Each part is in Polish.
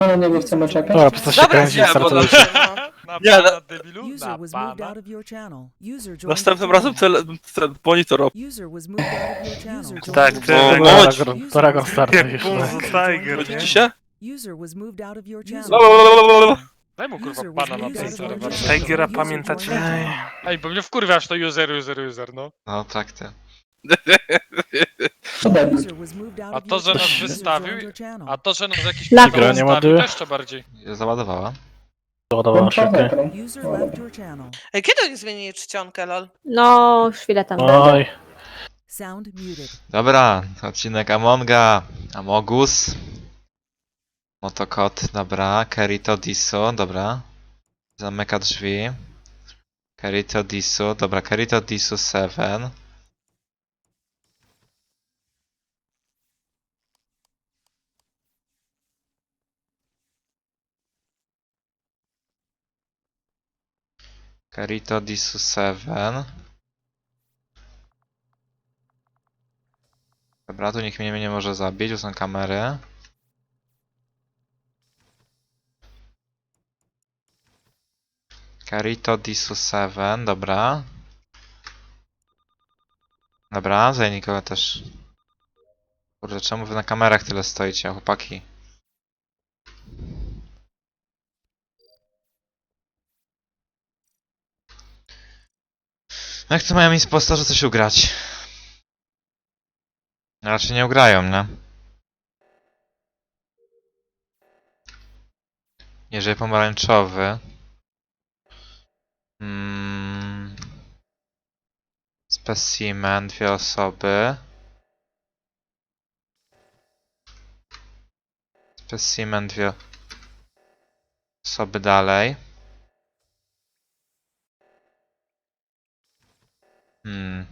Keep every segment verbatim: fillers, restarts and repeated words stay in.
A na niego chcemy czekać? Dobra, po co się Dobra, kręci, nie, bo startujecie. Na Nie, pana, no- debilu? User Na was moved pana. out of your channel. User joined Następnym your razem channel. cel, cel monitor op. User was moved out of your channel. User Tak, joined ty, your O, channel. bądź. Paragon, Paragon startuje już. Jak tak. Bunzo Tiger, nie? Widzicie się? User was moved out of your No, channel. Blablabla. Daj mu kurwa User was pana na moved tej out of your serwer. channel. Tigera User pamiętacie? joined your channel. Ej, bo mnie wkurwiasz to user, user, user, no. No tak ty. Co debil? User was moved out A of to, your że nas channel. User wystawił, joined your channel. A to, że nas jakiś Lag. Gra nie wystawił, ładuje? to jeszcze bardziej. Załadowała. Ładowała Włączony szybko. ekran. User left your channel. Ej, kiedy oni zmienili czcionkę, lol? No, już chwilę tam będę. Oj, Sound muted. Dobra, odcinek Amonga. Amogus. Motokot, dobra. Kerito Disu, dobra. Zamyka drzwi. Kerito Disu, dobra. Kerito Disu siedem. Kerito Disu siedem. Dobra, tu nikt mnie nie może zabić, tu są kamery. Kerito Disu siedem, dobra. Dobra, zaj nikogo też. Kurde, czemu wy na kamerach tyle stoicie, chłopaki? No jak to mają impostorze coś ugrać? Raczej nie ugrają, nie? Jeżeli pomarańczowy. Mm. Specimen, dwie osoby. Specimen, dwie osoby dalej. Hmm.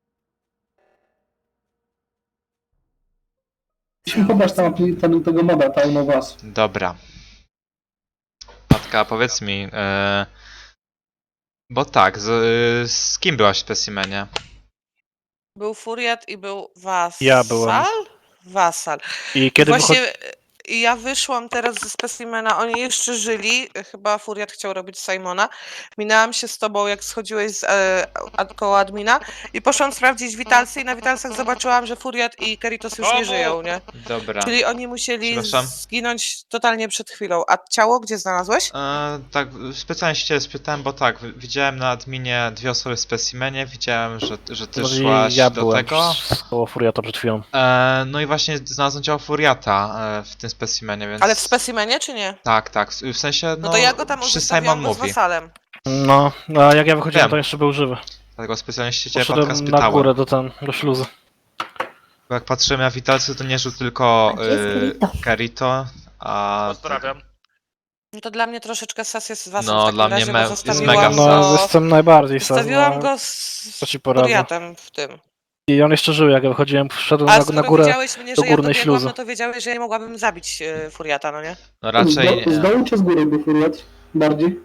Musimy pobrać tam ten, tego moda, Town of Us. Dobra. Matka, powiedz mi, yy, bo tak, z, z kim byłaś w specimenie? Był Furiat i był Wasal? Ja byłem. Wasal. i kiedy Właśnie wychodzi... y, ja wyszłam teraz ze specimena, oni jeszcze żyli, chyba Furiat chciał robić Simona. Minęłam się z tobą, jak schodziłeś z e, ad, koło admina i poszłam sprawdzić Witalsy i na Witalsach zobaczyłam, że Furiat i Keritos już nie Komu? żyją, nie? Dobra. Czyli oni musieli Przepraszam? zginąć totalnie przed chwilą. A ciało gdzie znalazłeś? E, tak, specjalnie się ciebie spytałem, bo tak, wi- widziałem na adminie dwie osoby w specimenie, widziałem, że, że ty Może szłaś ja do byłem tego. z- koło Furiata przed chwilą. E, no i właśnie znalazłem ciało Furiata e, w tym specimenie, więc... Ale w specimenie czy nie? Tak, tak, w, w sensie, no, No to ja go tam przy uzyskawiłam Simon go z mówi. Wasalem. No, a jak ja wychodziłem, Wiem. to jeszcze był żywy. Dlatego specjalnie się ciebie Patka Poszedłem na spytałem. górę do ten, do śluzy. Bo jak patrzyłem na Witalcy, to nie żył tylko A gdzie jest y, Kerito? Kerito, a... Pozdrawiam. No to dla mnie troszeczkę sas jest z was No, w takim dla mnie razie, me- bo jest zostawiłam mega No, go, jestem najbardziej sas, zostawiłam no. go z Co ci poradzę? Furiatem w tym. I on jeszcze żył, jak ja wychodziłem, wszedłem A na, skoro na górę. widziałeś mnie, do że ja górnej dobiegłam, śluzy. no to wiedziałeś, że ja nie mogłabym zabić e, Furiata, no nie? No Z, raczej... do, z dołu czy z góry był Furiat? Bardziej?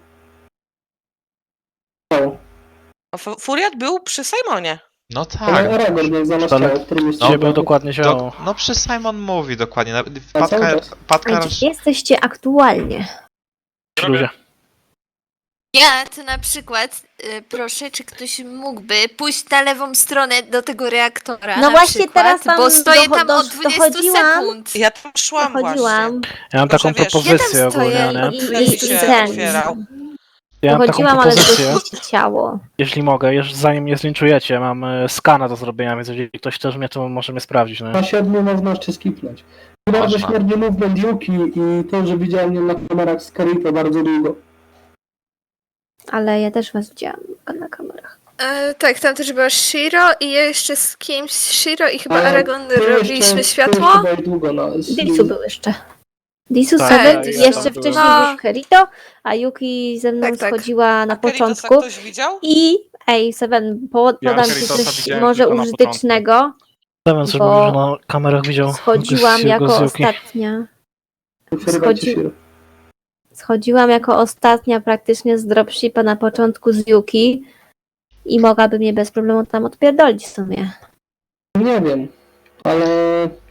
Dołu. A F- Furiat był przy Simonie. No Ale tak. Aragorn jak znalazł Ale- ciało, w którym jest Gdzie ciało. był dokładnie Do, ciało? no przy Simon mówi dokładnie. na- A cały Patka, czas. Patka A gdzie jesteście aktualnie? W śluzie. Ja to na przykład y, proszę, czy ktoś mógłby pójść na lewą stronę do tego reaktora. No na właśnie przykład, teraz tam bo stoję docho- tam do- od dwudziestu dochodziłam. sekund. Ja tam szłam Dochodziłam Ja mam Tylko, taką że wiesz, propozycję ja tam ogólnie, stoję nie? i, Drzwi i, i się ten. otwierał. Ja mam taką Dochodziłam, ale propozycję, zgłosiliście ciało. jeśli mogę, jeszcze zanim mnie zlinczujecie, mam e, skana do zrobienia, więc jeżeli ktoś też mnie, to może mnie sprawdzić, no. Na siedmiu można jeszcze skipnąć. Bardzo Można. śmierdzie movement Yuki i to, że widziałem ją na kamerach z Kerito bardzo długo. Ale ja też was widziałam na kamerach. E, tak, tam też była Shiro i ja jeszcze z kimś, Shiro i chyba Ale Aragon ty robiliśmy jeszcze- ty światło. jeszcze byłeś długo na... Disu był jeszcze. Disu Tak, sobie, ja jeszcze tam byłem. wcześniej No. był Kerito, a Yuki ze mną Tak, tak. schodziła na A Keritosa początku. ktoś widział? I ej, Seven, po, Ja podam ci Keritosa coś widziałem może tylko na użytecznego. Seven coś bo mówił, że na kamerach widział Schodziłam gości- jako gościuki. ostatnia. Przerywa ci Schodzi- się. Schodziłam jako ostatnia praktycznie z dropshipa na początku z Yuki i mogłaby mnie bez problemu tam odpierdolić w sumie. Nie wiem, ale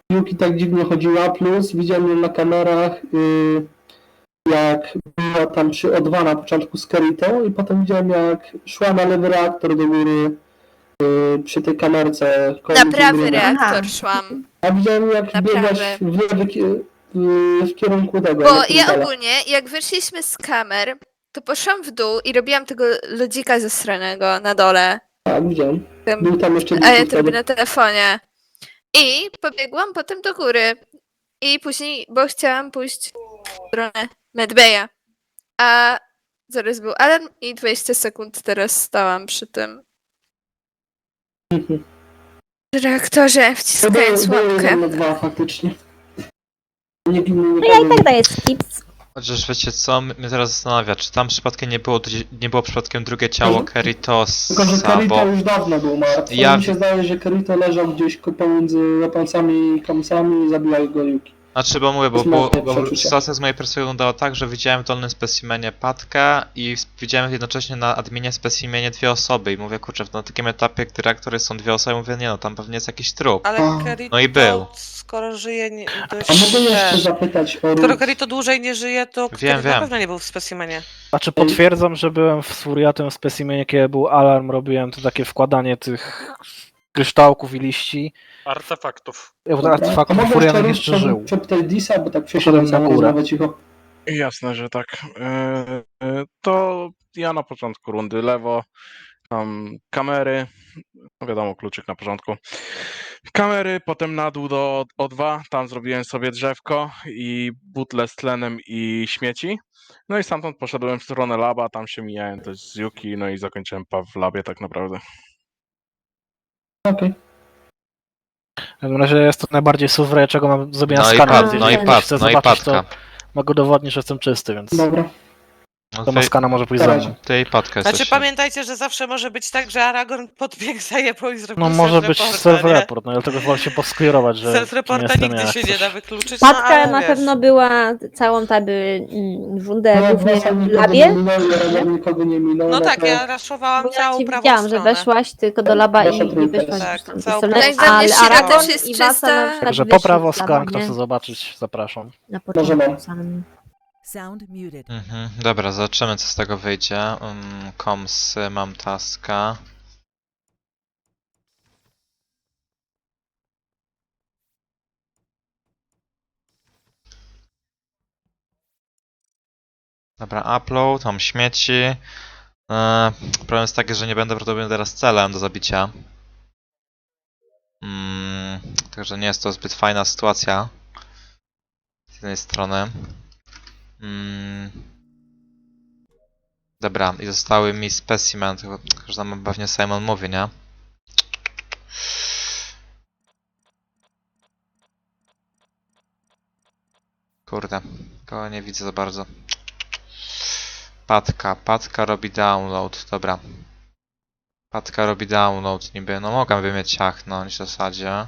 Yuki tak dziwnie chodziła, plus widziałem ją na kamerach, y, jak była tam przy O dwa na początku z Kerito i potem widziałem jak szła na lewy reaktor do góry y, przy tej kamerce. koło Na prawy Gruna. reaktor szłam. A widziałem jak Na biegłaś prawy. w lewy ki- w, w kierunku tego. Bo ja elektryka. ogólnie, jak wyszliśmy z kamer, to poszłam w dół i robiłam tego lodzika zasranego na dole. Tak, widziałem. Tym, Był tam jeszcze a ja drugi to robię wtedy. na telefonie. I pobiegłam potem do góry. I później, bo chciałam pójść w stronę Medbaya. A zaraz był alarm i dwadzieścia sekund teraz stałam przy tym Mhm. reaktorze, To było, wciskając było łapkę. jeden na dwa faktycznie. Nie, nie, nie, No ja i tak daję skips. Chociaż wiecie co, mnie teraz zastanawia, czy tam przypadkiem nie było, nie było przypadkiem drugie ciało Mhm. Keritosa, Tylko, że Kerito bo już dawno był martwy. Ja- Ja... Mi się zdaje, że Kerito leżał gdzieś ko- pomiędzy Japońcami i Kamsami i zabijał go Yuki. Znaczy, bo mówię, bo, Jest bo, moje bo przeczucie. sytuacja z mojej perspektywy wyglądała tak, że widziałem w dolnym specimenie Patkę i s- widziałem jednocześnie na adminie specimenie dwie osoby i mówię, kurczę, na takim etapie, gdy reaktory są dwie osoby, mówię, nie no, tam pewnie jest jakiś trup. Ale A. Kerito, No i był. skoro żyje nie, dość... A mogę jeszcze ten- zapytać o Skoro Ruth? Kerito dłużej nie żyje, to Wiem, Kerito wiem. na pewno nie był w specimenie. Znaczy potwierdzam, że byłem w Furiatem w specimenie, kiedy był alarm, robiłem to takie wkładanie tych kryształków i liści. Artefaktów. Ja Dobra. artefakt A mogę Furianek Ruth jeszcze żył. przepytać Disa, bo tak Poszedłem przesiadłem na na górę. rozmowę cicho. Jasne, że tak. E, e, To ja na początku rundy lewo, tam kamery, no wiadomo, kluczyk na początku. Kamery, potem na dół do O dwa, tam zrobiłem sobie drzewko i butle z tlenem i śmieci. No i stamtąd poszedłem w stronę laba, tam się mijałem też z Yuki, no i zakończyłem pa w labie tak naprawdę. Okej. W każdym razie jest to najbardziej suwre, czego mam zrobienia No i, skana. pat, Jeżeli no i, ktoś pat, chce no i zobaczyć, to Patka. mogę udowodnić, że jestem czysty, więc Dobra. No to ma ty, skana może pójść Na za razie. mną. ty i Patka Znaczy jesteś. pamiętajcie, że zawsze może być tak, że Aragorn podbiegł, zajebał i zrobił No może być self-reporta, nie? self-report, no dlatego wolę się posklerować, że kim Self-reporta jestem nigdy ja, się jak nie coś. da wykluczyć, no Patka ale na wiesz. pewno była całą taby mm, rundę No, głównie Wasa w nikogo nie labie. minął, ja nikogo nie minął. No no tak, to- ja raszowałam Bo ja całą cię prawą widziałam, że stronę. weszłaś tylko do laba Wasza i, i trójka. wyszłaś Tak, już tam całą ze prawą strony. stronę. Ale Jak dla mnie Aragorn też jest i Wasa czysta. na przykład Także po wyszli prawo z laba, skan, kto nie? chce zobaczyć, zapraszam. Na Możemy. początku samym. Sound muted. Mhm, dobra, zobaczymy co z tego wyjdzie. Um, komsy, mam taska. Dobra, upload, mam śmieci. Eee, problem jest taki, że nie będę prawdopodobnie teraz celem do zabicia. Mm, także nie jest to zbyt fajna sytuacja. Z jednej strony. Mm. Dobra, i zostały mi specimen, tylko że tam pewnie Simon mówi, nie? Kurde, kogo nie widzę za bardzo. Patka, Patka robi download, dobra. Patka robi download niby, no mogłaby mnie ciachnąć w zasadzie.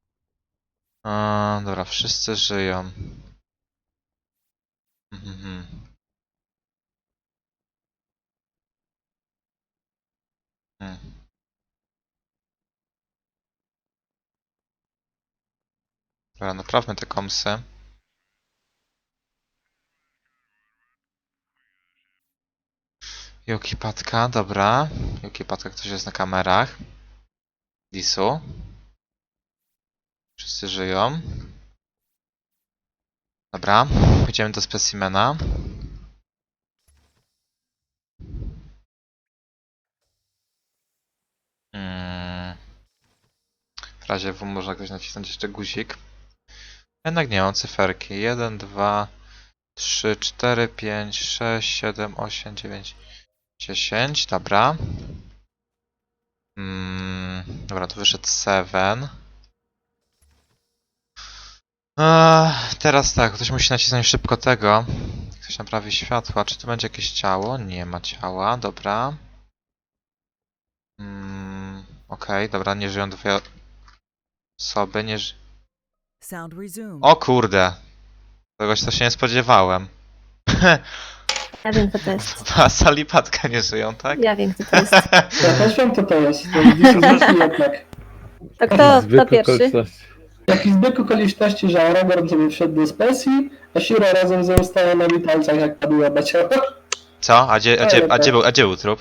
Eee, dobra, wszyscy żyją. Mhm. Hmm. Dobra, naprawmy te komsy. Yuki Patka, dobra. Yuki Patka, ktoś jest na kamerach. Disu. Wszyscy żyją. Dobra, pójdziemy do specimena. Hmm. W razie W można ktoś nacisnąć jeszcze guzik. Jednak nie mam cyferki. jeden, dwa, trzy, cztery, pięć, sześć, siedem, osiem, dziewięć, dziesięć. Dobra. Hmm. Dobra, tu wyszedł siedem. Eee, teraz tak, ktoś musi nacisnąć szybko tego. Ktoś naprawi światła. Czy tu będzie jakieś ciało? Nie ma ciała, dobra. Mm, Okej, okay, dobra, nie żyją dwie osoby, nie ży... Sound resumed. O kurde! Czegoś to się nie spodziewałem. Ja wiem, co to jest. A Sal i Patka nie żyją, tak? Ja wiem, co to jest. Ja też wiem, co to jest. To jest Dis jednak. To kto, kto pierwszy? Jaki zbieg okoliczności, że Aragorn sobie wszedł do specji, a Shiro razem ze mną stała na witalcach, jak padła na ciało. Co? A gdzie, a gdzie, a gdzie, był, a gdzie był trup?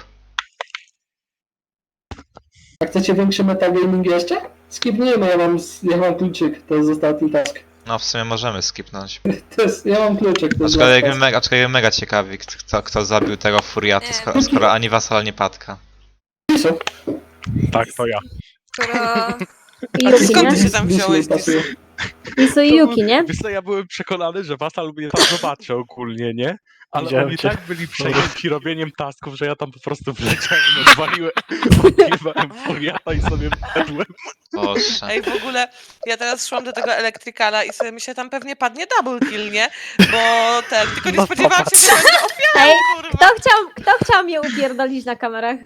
A chcecie większy metagaming jeszcze? Skipnijmy, ja mam, ja mam kluczyk, to jest ostatni task. No w sumie możemy skipnąć. To jest, ja mam kluczyk, to jest Aczkolwiek last mnie mega, aczkolwiek mega ciekawi, kto, kto zabił tego furiata, Nie. skoro, skoro ani wasal, ani patka. task. Tak, to ja. Skoro... I A Yuki, skąd ty nie? się tam wziąłeś? Pasuje. Isu i Yuki, nie? Wiesz co, ja byłem przekonany, że Wasal mnie tam zobaczy ogólnie, nie? Ale Widziałem oni cię. tak byli przejęci robieniem tasków, że ja tam po prostu wleciałem, odwaliłem, odjebałem furiata i sobie wszedłem. Boże. Ej, w ogóle ja teraz szłam do tego elektrykala i sobie myślę, tam pewnie padnie double kill, nie? Bo ten, tylko nie No spodziewałam się, że będę ofiarą, Ej, kurwa. kto chciał, kto chciał mnie upierdolić na kamerach?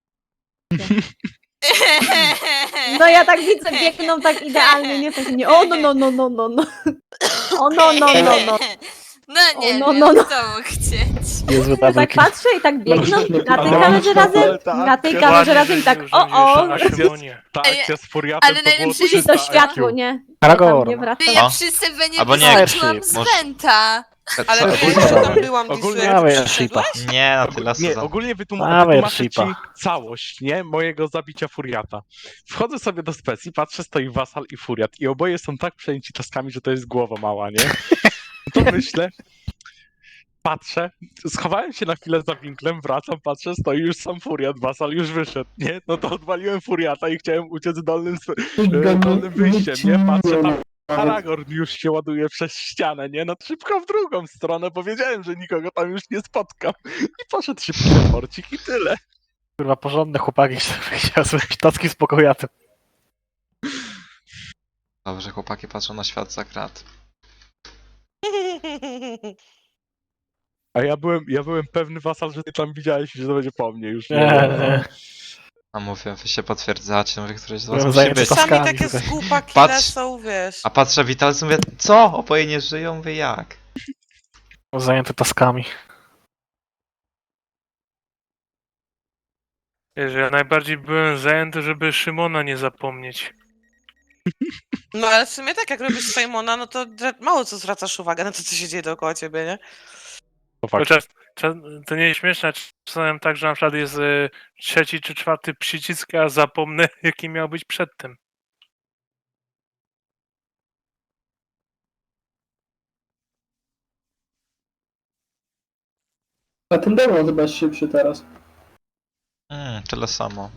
No ja tak widzę, biegną tak idealnie, nie? Tak nie, o no no no no no no. O no no no no. No nie, O, no, wiem, no, no. co mógł chcieć. Niezły Ja tak double patrzę i tak biegną na tej Ale- kamerze razem, na tej kamerze razem i tak o o. Ta Ej, akcja z furiatem ale to było najlepsze Musi jest to trzysta światło, I Q. nie? Ja tam Aragorn. nie Ty, wracam. ja O. przy Sylwenie Albo nie. wyskoczyłam z Może- Wenta. Ale Co? wiesz, że ogólnie- tam byłam, ogólnie- Ogólnie, jak Dawaj, ty Arshipa. przyszedłeś? Nie, na tyle Nie, sezon. ogólnie wytłum- Dawaj, wytłumaczę ci Arshipa. całość, nie? Mojego zabicia furiata. Wchodzę sobie do specji, patrzę, stoi Wasal i furiat i oboje są tak przejęci taskami, że to jest głowa mała, nie? To myślę, patrzę, schowałem się na chwilę za winklem, wracam, patrzę, stoi już sam furiat, Wasal już wyszedł, nie? No to odwaliłem furiata i chciałem uciec dolnym, sp- e, dolnym wyjściem, nie? Patrzę tam, Aragorn już się ładuje przez ścianę, nie? No szybko w drugą stronę, powiedziałem, że nikogo tam już nie spotkam. I poszedł szybki reporcik i tyle. Kurwa, porządne chłopaki, chciałem zrobić taski z pokojatem. Dobrze, chłopaki patrzą na świat za krat. A ja byłem, ja byłem pewny, Wasal, że ty tam widziałeś i że to będzie po mnie już. Nie, nie. A mówię, wy się potwierdzacie, mówię, któreś z was Byłem musi zajęty być. taskami. Czasami takie tutaj. zgupa kile Patrz. są, wiesz. A patrzę witalcy, mówię, co? Oboje nie żyją? Mówię, jak? Zajęty taskami. Wiesz, ja najbardziej byłem zajęty, żeby Szymona nie zapomnieć. No ale w sumie tak, jak robisz Simona, no to dra- mało co zwracasz uwagę na to, co się dzieje dookoła ciebie, nie? To fakt. Chociaż czas, to nie jest śmieszne, czasem tak, że na przykład jest y, trzeci czy czwarty przycisk, a zapomnę, jaki miał być przedtem. A ten demon chyba jest szybszy teraz. Mm, tyle samo.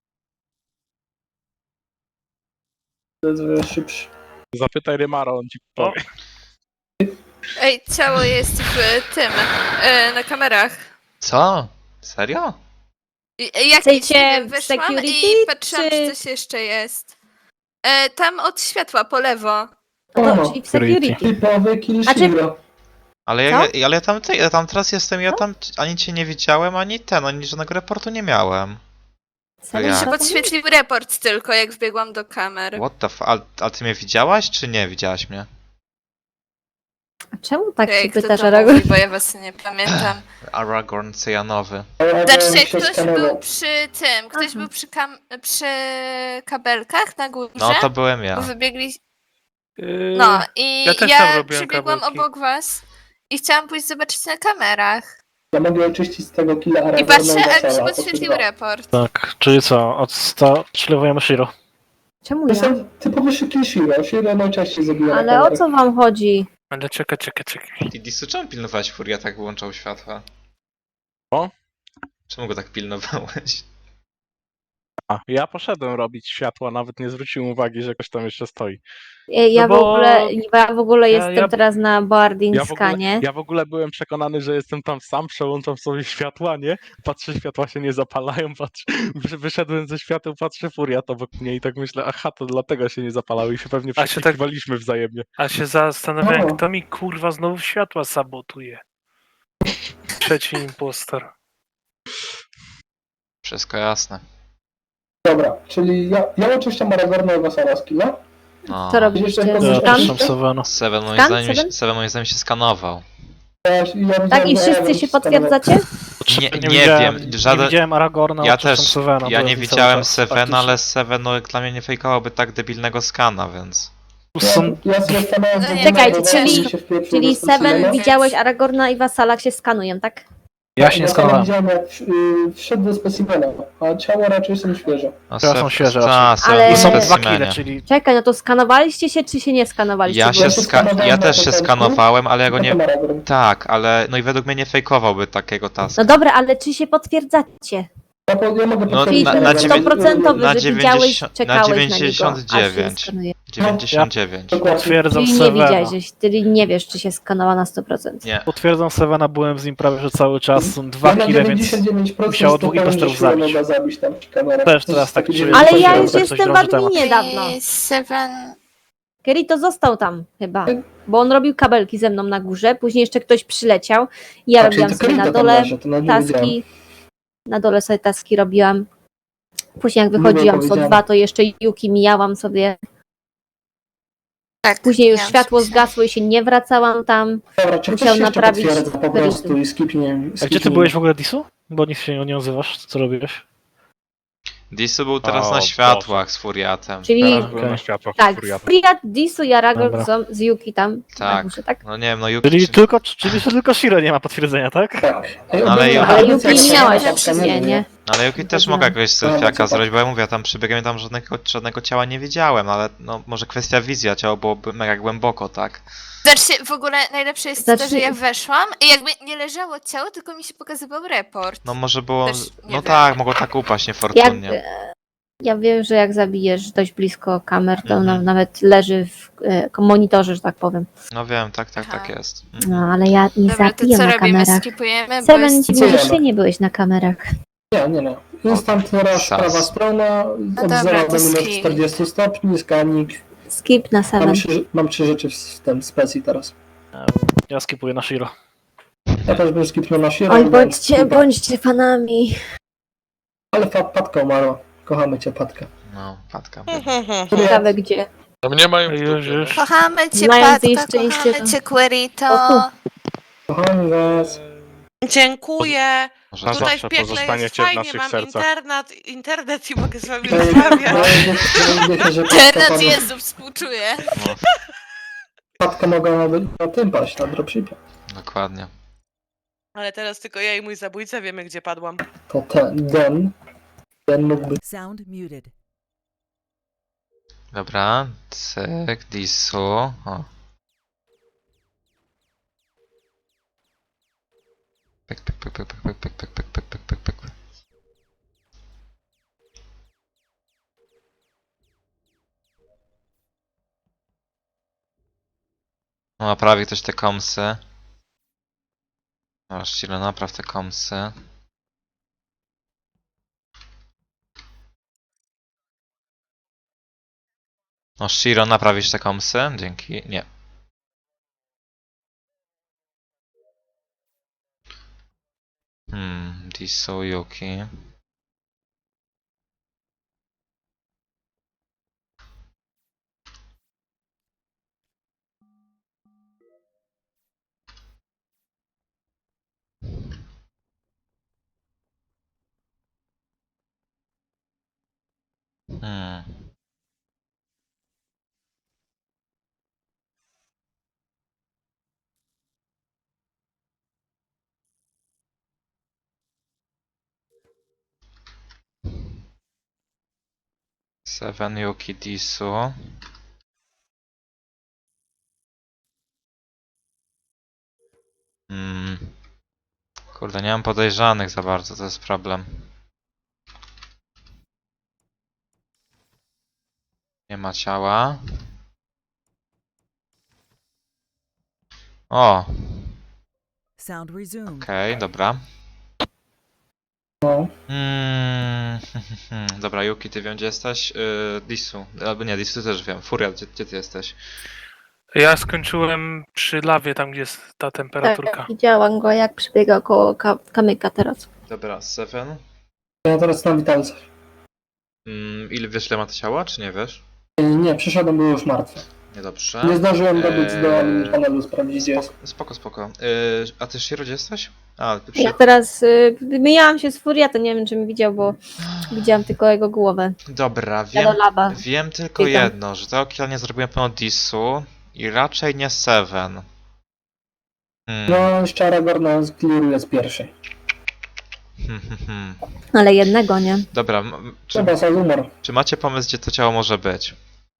To jest wiele szybszy. Zapytaj Rymara, on ci O. powie. Ej, ciało jest w tym, e, na kamerach. Co? Serio? I- e, Jak Chcecie nie wiem, w weszłam security, i patrzyłam, czy czy- coś jeszcze jest. E, tam od światła, po lewo. No, O, czyli w security. typowy kill A czy- Shiro. Ale ja, ale ja tam, ja tam teraz jestem, ja tam ani cię nie widziałem, ani ten, ani żadnego raportu nie miałem. Serio? Ja. Mi się Co to podświetlił report tylko, jak wbiegłam do kamer. What the f... A, a ty mnie widziałaś, czy nie widziałaś mnie? A czemu tak Ej, się kto pytasz, to Aragorn? mówi, bo ja was nie pamiętam. Aragorn cyjanowy. Znaczy, się ktoś skanował. był przy tym, ktoś Aha. był przy, kam- przy kabelkach na górze. No to byłem Bo ja. wybiegli. Yy, No i ja też ja, tam robiłem przebiegłam kabelki. obok was i chciałam pójść zobaczyć na kamerach. Ja mogę oczyścić z tego killa I Aragorna patrzę, a mi się Wasala, podświetlił to report. Tak, czyli co? Odstrzelowujemy Shiro. Czemu To ja? są typowy kill Shiro. Shiro najczęściej zabija na Ale o kamerę. co wam chodzi? Ale czekaj, czekaj, czekaj. Ty Disu, czemu pilnowałeś Furia, tak wyłączał światła? O? Czemu go tak pilnowałeś? A, ja poszedłem robić światła, nawet nie zwróciłem uwagi, że ktoś tam jeszcze stoi. Ja, ja, No w, bo- ogóle, ja w ogóle Ja- jestem ja- teraz na boarding Ja w, ogóle, skanie. ja w ogóle byłem przekonany, że jestem tam sam, przełączam sobie światła, nie? Patrzę, światła się nie zapalają, patrzę, wy- wyszedłem ze świateł, patrzę, furiat obok mnie i tak myślę, aha, to dlatego się nie zapalały i się pewnie A się tak- przekrzykiwaliśmy wzajemnie. A się zastanawiałem, O. kto mi kurwa znowu światła sabotuje. Trzeci impostor. Wszystko jasne. Dobra, czyli ja, ja oczyszczam Aragorna i Wasala z killa. No. Co robiliście? Ja Ja Skan? też mam Sewena. Seven moim, Skan? zdaniem, Seven? Seven moim zdaniem się skanował. Ja, ja widziałem, Tak, i że wszyscy Aragorn się skanował. potwierdzacie? Nie, nie, nie widziałem, wiem, żaden- nie widziałem Aragorna, Ja odczyszczam też, Sewena, ja byłem nie cały widziałem czas Sevena, faktycznie. ale Seven no, dla mnie nie fejkowałoby tak debilnego skana, więc... Tu są... Ja sobie stanąłem No nie, Czekajcie, bo czyli- mi się wpieprzyło Czyli do specimena. Seven widziałeś Aragorna i Wasala jak się skanują, tak? Ja się nie Ja skanowałem. widziałem jak y, wszedł do specimena, a ciało raczej są świeże. No, Teraz se- są świeże ta, raczej. se- Ale- I w są dwa specimenie. kile, czyli... Czekaj, no to skanowaliście się, czy się nie skanowaliście? Ja Bo- się się ska- skanowałem ja na też się początku, skanowałem, ale ja go nie... Potem Aragorn. Tak, ale no i według mnie nie fejkowałby takiego taska. No dobra, ale czy się potwierdzacie? Ja, po, ja mogę No, potwierdzić na- Aragorn. na dziewię- Stoprocentowy, na że widziałeś, dziewięćdziesiąt czekałeś na na niego, aż się dziewięćdziesiąt dziewięć. skanuje. dziewięćdziesiąt dziewięć. Dokładnie. Potwierdzam Czyli nie Sevena. widziałeś, czyli nie wiesz, czy się skanowała na sto procent. Nie. Potwierdzam Sevena, byłem z nim prawie że cały czas. Są dwa Ja na kile, więc... dziewięćdziesiąt dziewięć procent musiało dwóch stopniowo, impostorów że siłę zabić. mogła zabić tam przy kamerach. Też To teraz jest tak taki czuję, Ale coś ja tam, już tak coś jestem w dąży temat. adminie dawno. I Seven... Kerry to został tam chyba, bo on robił kabelki ze mną na górze, później jeszcze ktoś przyleciał i ja A, czyli robiłam to sobie Kerita na tam dole leży, to nawet nie wiedziałem. taski, na dole sobie taski robiłam. Później jak Miło wychodziłam z O powiedziane. dwa, to jeszcze Yuki mijałam sobie. Tak, Później już miałam światło się. zgasło i się nie wracałam tam. Dobra, czy ktoś Musiał jeszcze naprawić potwierdza po Kerita. prostu i skipnie. A gdzie ty skipnie. byłeś w ogóle, Disu? Bo nic się nie odzywasz, co robiłeś? Disu był teraz O, na światłach z Furiatem. Czyli Teraz byłem Okej. na światłach tak, Furiata. Friat, Disu i Aragorn Dobra. są z Yuki tam na Tak. górze, tak? No nie wiem, no Yuki... Czyli czy- tylko, czyli że tylko Shiro nie ma potwierdzenia, tak? Tak. Ej, Ale ogólnie- Yuki- Ale ale Yuki jak nie się miałaś patka absolutnie, nie? No ale Yuki też Chodziłam. mogła jakiegoś No, selfiaka no, zrobić, bo ja mówię, ja tam przebiegłem, tam żadnego, żadnego ciała nie widziałem, ale no może kwestia wizji, a ciało byłoby mega głęboko, tak? Znaczy, w ogóle najlepsze jest to, Znaczy- że ja weszłam i jakby nie leżało ciało, tylko mi się pokazywał report. No może było... Też nie No wiem. tak, mogło tak upaść Jak, niefortunnie. e, ja wiem, że jak zabijesz dość blisko kamer, to Mhm. na, nawet leży w e, monitorze, że tak powiem. No wiem, tak, tak, Aha. tak jest. No, ale ja nie Dobra, to zabijam co na robimy? kamerach. Skipujemy? Bo Seven, jest... ci Co mówisz, ja ty nie byłeś na kamerach. Nie, nie, nie. Instant rush, Sas. prawa strona, od dobra, zera to do minus skip. czterdzieści stopni, skanik. Skip na Mam Seven. trzy, mam trzy rzeczy w, w tym specji teraz. Ja skipuję na Shiro. Ja też bym skipnął na Shiro. Oj, bo- bądźcie, bądźcie fanami. Ale fa- Patka umarła. Kochamy cię, Patka. No, Patka. Ciekawe gdzie. No mnie mają w Już, dupie, już. Kochamy cię, Znając jej Patka, szczęście, kochamy to- cię, O, Querito. tu. Kochamy was. Dziękuję. Może Na Tutaj w zawsze piekle jest pozostaniecie w fajnie, naszych mam sercach. internet, internet i mogę z wami Ej, rozmawiać. no, wiecie, że Patka, Teraz padła- Jezu, współczuję. No, Patka mogła na, na tym paść, na dropshipie. dokładnie. Ale teraz tylko ja i mój zabójca wiemy, gdzie padłam. To ten, Den. Den mógłby. Sound muted. Dobra, cyk, Disu. O. Pyk, pyk, pyk, pyk, pyk, pyk, pyk, pyk, pyk, pyk, pyk, pyk, pyk. No, naprawi ktoś te komsy. Masz Shiro, napraw te komsy. No, Shiro, naprawisz te komsy? Dzięki. Nie. Hmm, Disu, Yuki. Hmm. Seven, Yuki, Disu. Hmm. Kurde, nie mam podejrzanych za bardzo, to jest problem. Nie ma ciała. O, Sound resumed. okej, dobra. No. Mm, dobra, Yuki, ty wiem gdzie jesteś? Yy, Disu, albo nie, Disu też wiem. Furia, gdzie, gdzie ty jesteś? Ja skończyłem przy lawie, tam gdzie jest ta temperaturka. Tak, widziałam go jak przebiega koło ka- kamyka teraz. Dobra, Seven. Ja teraz na witalce. Mm, ile wiesz, ile ma to ciała, czy nie wiesz? Nie, przyszedłem, był już martwy. Niedobrze. Nie zdążyłem dobiec do Eee, panelu, sprawdzić gdzie jest. Spoko, spoko. Yy, a ty Shiro, gdzie jesteś? A, przy... Ja teraz y, wymieniałam się z Furiatem, nie wiem czy mi widział, bo widziałam tylko jego głowę. Dobra, Ja wiem, do laba. wiem tylko Biegam. jedno, że tego killa nie zrobiłem pełno disu i raczej nie Seven. Hmm. No, jeszcze Aragorna zkliruje z pierwszej. Hmm, hmm, hmm. Ale jednego, nie? Dobra, m- czy, Trzeba za humor. czy macie pomysł, gdzie to ciało może być?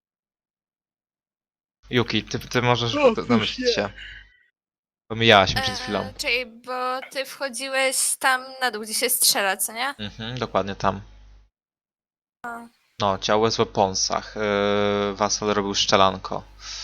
Yuki, ty, ty możesz domyślić się. Pomijałaś mnie przed chwilą. Eee, czyli, bo ty wchodziłeś tam na dół, gdzie się strzela, co nie? Mhm, dokładnie tam. A. No, ciało jest w weaponsach. Yy, Wasal robił szczelanko.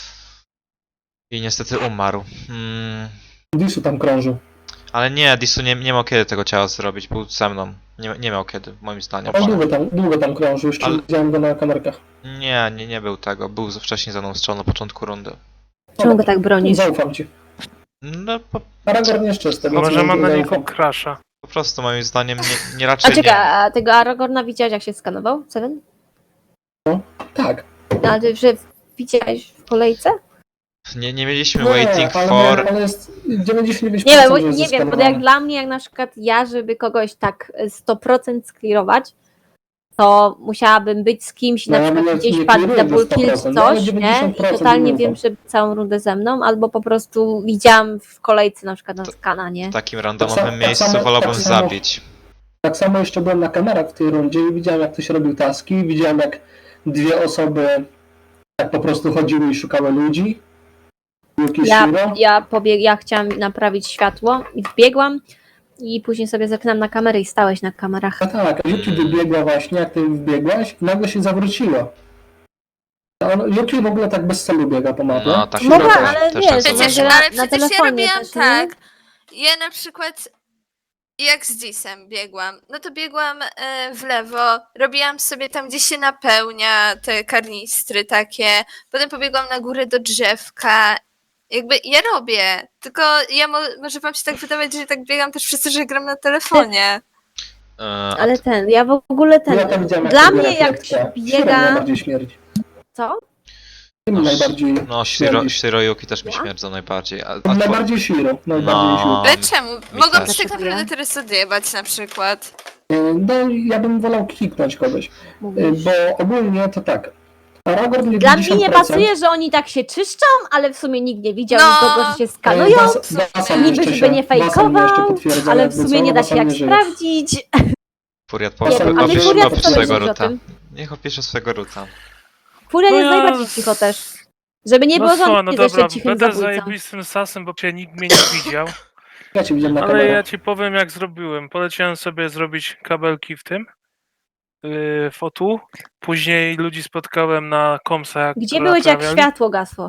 I niestety umarł. Mm, Disu tam krążył. ale nie, Disu nie, nie miał kiedy tego ciała zrobić, był ze mną. Nie, nie miał kiedy, moim zdaniem. On długo tam, długo tam krążył, jeszcze Ale- widziałem go na kamerkach. Nie, nie, nie był tego. Był wcześniej za mną strzał na początku rundy. Czemu go tak bronisz? Zaufam ci. No, po, Aragorn jeszcze z tego Może co mam na zaufam. niego crasha. po prostu moim zdaniem nie, nie A raczej czekaj, nie. a tego Aragorna widziałeś jak się skanował? Seven? Tak. A ty, że widziałeś w kolejce? Nie, nie mieliśmy Nie, waiting ale, for... ale jest dziewięćdziesiąt dziewięć Nie wiem, procent, bo, że nie jest wiem, bo zeskanowany. jak dla mnie, jak na przykład ja, żeby kogoś tak sto procent sklirować, to musiałabym być z kimś, No, na ja przykład bym gdzieś nie padł kliruję double do kill czy sto procent, ale coś, nie? dziewięćdziesiąt I procent totalnie ufam. wiem, że całą rundę ze mną, albo po prostu widziałam w kolejce na przykład na skana, nie? W takim Tak randomowym samo- miejscu tak samo- wolałbym tak samo- zabić. Tak samo jeszcze byłem na kamerach w tej rundzie i widziałem jak ktoś robił taski, widziałem jak dwie osoby tak po prostu chodziły i szukały ludzi. Yuki Ja, Shiro. ja, pobieg, ja chciałam naprawić światło i wbiegłam i później sobie zapinam na kamerę i stałeś na kamerach. A tak, Yuki wybiegła właśnie, jak ty wbiegłaś i nagle się zawróciła. A on- Yuki w ogóle tak bez celu biega po mapie. No, tak Mogła, też, ale też wiesz, tak Przecież, zauważyłem. na- ale na przecież ja telefonie robiłam też, nie? tak. Ja na przykład jak z Disem biegłam, no to biegłam e, w lewo, robiłam sobie tam, gdzie się napełnia te karnistry takie, potem pobiegłam na górę do drzewka. Jakby ja robię, tylko ja mo może wam się tak wydawać, że tak biegam też przez to, że gram na telefonie. E, a Ale ten, ja w ogóle ten, Ja tam widziałem, jak dla sobie mnie jak rakietkę. Shiro biega, najbardziej śmierdzi. co? Tym No, najbardziej No, Shiro, śmierdzisz. Shiro Yuki też mi Ja? śmierdzą najbardziej. A, a two... Najbardziej Shiro. Najbardziej No. Shiro. Ale czemu? mi Mogą też. się tak naprawdę teraz odjebać na przykład. Y, No ja bym wolał kliknąć kogoś, y, Mówisz. bo ogólnie to tak. Aragorn Dla mnie nie dziewięćdziesiąt procent, pasuje, że oni tak się czyszczą, ale w sumie nikt nie widział No. nikogo, że się y, skanują. Was- Wasan Niby, jeszcze żeby się- nie Wasan mnie jeszcze fejkował, potwierdza, ale w jakby sumie co, nie da się Wasan jak nie żyje. sprawdzić. Furiat, Nie powiedz, wiem, ale opisz, Furiat opisz co swojego myślisz o ruta. tym? Niech opisze swojego ruta. Furia No jest ja- najbardziej cicho też. Żeby nie było No słuchaj, no żadnych, że dobra, jeszcze cichym będę zabójcą. zajebistym sasem, bo cię nikt mnie nie widział. Ja cię widziałem na Ale kamerach. ja ci powiem jak zrobiłem. Poleciałem sobie zrobić kabelki w tym, yy, w O T U. Później ludzi spotkałem na komsach. Gdzie byłeś jak światło gasło?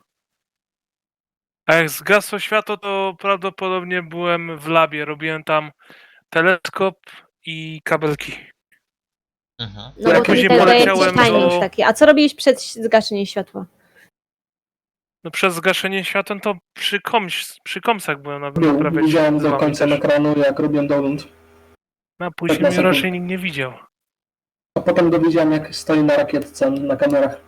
A jak zgasło światło, to prawdopodobnie byłem w labie. Robiłem tam teleskop i kabelki. Mhm. No Ja bo to mi później też daje poleciałem jakiś timing do- taki. A co robiłeś przed zgaszeniem światła? No przez zgaszenie światła to przy, koms, przy komsach byłem na Był, naprawiać widziałem z do wami końca też. ekranu, jak robiłem download. No, a Tak później na mnie sekund. raczej nikt nie widział. A potem go widziałem, jak stoi na rakietce na kamerach.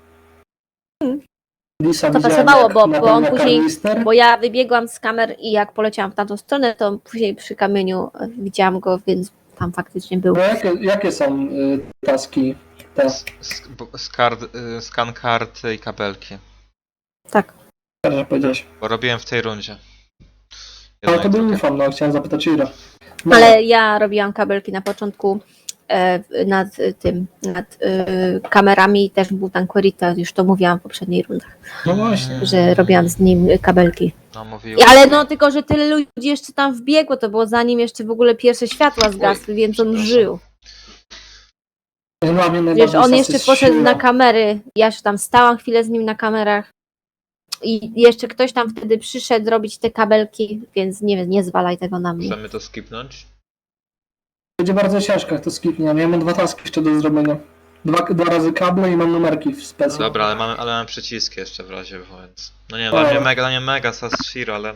Lisa To widziałem, pasowało, jak bo- bo on napełnia później- kanister. Bo ja wybiegłam z kamer i jak poleciałam w tamtą stronę, to później przy kamieniu e, widziałam go, więc tam faktycznie był. Bo jakie, jakie są y, taski te? S- s- bo- skard, y, skan karty i kabelki. Tak. że powiedziałeś. Bo robiłem w tej rundzie. Ale Jedno to i był drugie. ufam, no chciałem zapytać Ira. No, Ale ja robiłam kabelki na początku e, nad e, tym, nad e, kamerami, też był tam Querita, już to mówiłam w poprzedniej rundach, no właśnie. że robiłam z nim e, kabelki. No, I, mówiłem. ale no tylko, że tyle ludzi jeszcze tam wbiegło, to było zanim jeszcze w ogóle pierwsze światła zgasły, więc on przepraszam. żył. Dla mnie Wiesz, najbardziej on jeszcze satysfakcjonujące- poszedł na kamery, ja już tam stałam chwilę z nim na kamerach i jeszcze ktoś tam wtedy przyszedł robić te kabelki, więc nie wiem, nie zwalaj tego na mnie. Chcemy to skipnąć? Będzie bardzo ciężko, jak to skipnie. Ja mam dwa taski jeszcze do zrobienia. Dwa, dwa razy kable i mam numerki w specy. Dobra, ale mamy, ale mamy przyciski jeszcze w razie, więc... No nie, Dobra. dla mnie mega, dla mnie mega sas Shiro, ale...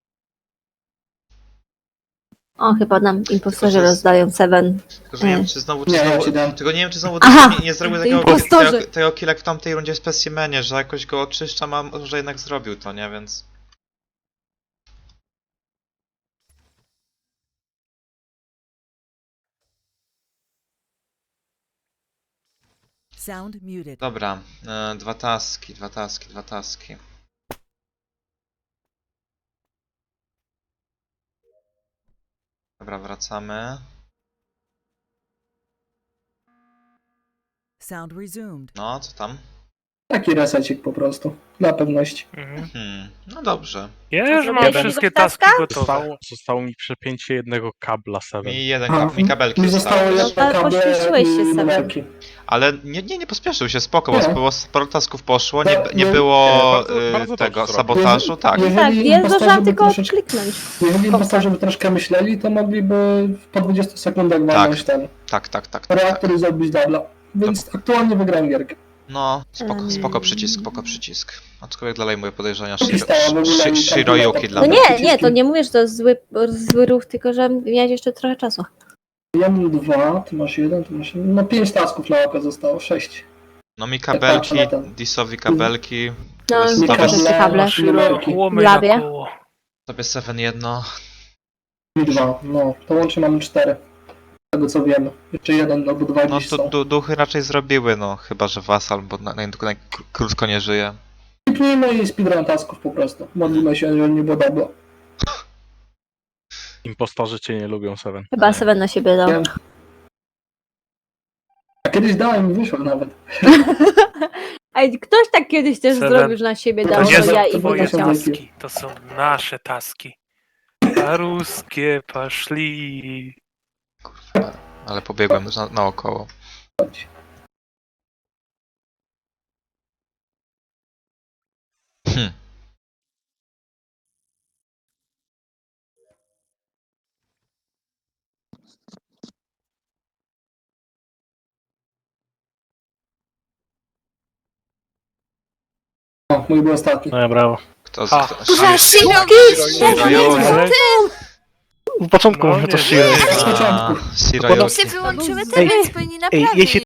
O, chyba nam impostorzy Tylko, że- rozdają Seven. Tylko, że nie wiem, E. czy znowu... Czy Nie, ja znowu ci dam. tylko nie wiem, czy znowu Aha, nie, nie zrobił to takiego, impostorzy. tego, tego killa jak w tamtej rundzie w specimenie, że jakoś go oczyszczam, a może jednak zrobił to, nie? Więc... Sound muted. Dobra, e, dwa taski, dwa taski, dwa taski. Dobra, wracamy. Sound resumed. No, co tam? Taki resecik po prostu, dla pewności. Mhm. Hmm, no dobrze. Ja już mam zrobiłeś wszystkie tego taski taska? gotowe. Zostało, zostało mi przepięcie jednego kabla Seven. Mi jeden A, kab, mi kabelki mi zostało zostały. jeszcze Ale kable pośpieszyłeś się i sobie. numerki. Ale nie, nie, nie pospieszył się, spoko, bo Nie. sporo, sporo tasków poszło, nie, No, nie no, było nie, bardzo- y, bardzo tego dobrze sabotażu, tak. Jeżeli Tak, jest impostorzy można by tylko troszeczkę- kliknąć. Jeżeli impostorzy by troszkę myśleli, to mogliby po dwudziestu sekundach walnąć ten Tak, tak, tak, tak, tak. reaktor i zrobić dubla. Więc aktualnie wygrałem gierkę. No, spoko, Em. spoko przycisk, spoko przycisk. Aczkolwiek dalej moje podejrzenia Taki Shiro, stała w ogóle Shi- i Shiroyuki dla No mnie. nie, nie, to nie mówię, że to zły, zły ruch, tylko że miałeś jeszcze trochę czasu. Ja mam dwa, ty masz jeden, ty masz jeden. No pięć tasków na oko zostało, sześć. No mi patrzę kabelki, na ten. Disowi kabelki, No, Jest mi to też bez- te kable. Shiro, numerki. łomej Labie. na koło. sobie Seven jedno. Mi dwa, no. To łącznie mamy cztery. Z tego co wiemy. Jeszcze jeden albo dwa No dziś to są. du duchy raczej zrobiły, no chyba, że Wasal, bo na, na, na, krótko nie żyje. Kliknijmy i speedrun tasków po prostu. Modlimy się, jeżeli nie było dobra. Impostorzy cię nie lubią, Seven. Chyba Seven na siebie dał. Wiem. A kiedyś dałem i wyszło nawet. Ej, ktoś tak kiedyś też Seven. zrobił, że na siebie To To dał, nie jest- że są ja i to twoje jest- wyleciał. taski, to są nasze taski. A ruskie poszli. Ale pobiegłem na, naokoło. Hm. O, mój był ostatni. No ja brawo. Kto z... A. Kto, Kurwa, Shiro, Shiroyuki. Ale... W początku No mówię to nie, Shiro. Z początku. Shiroyuki. się wyłączyły Ej, te, więc powinni Ej, naprawić. jeśli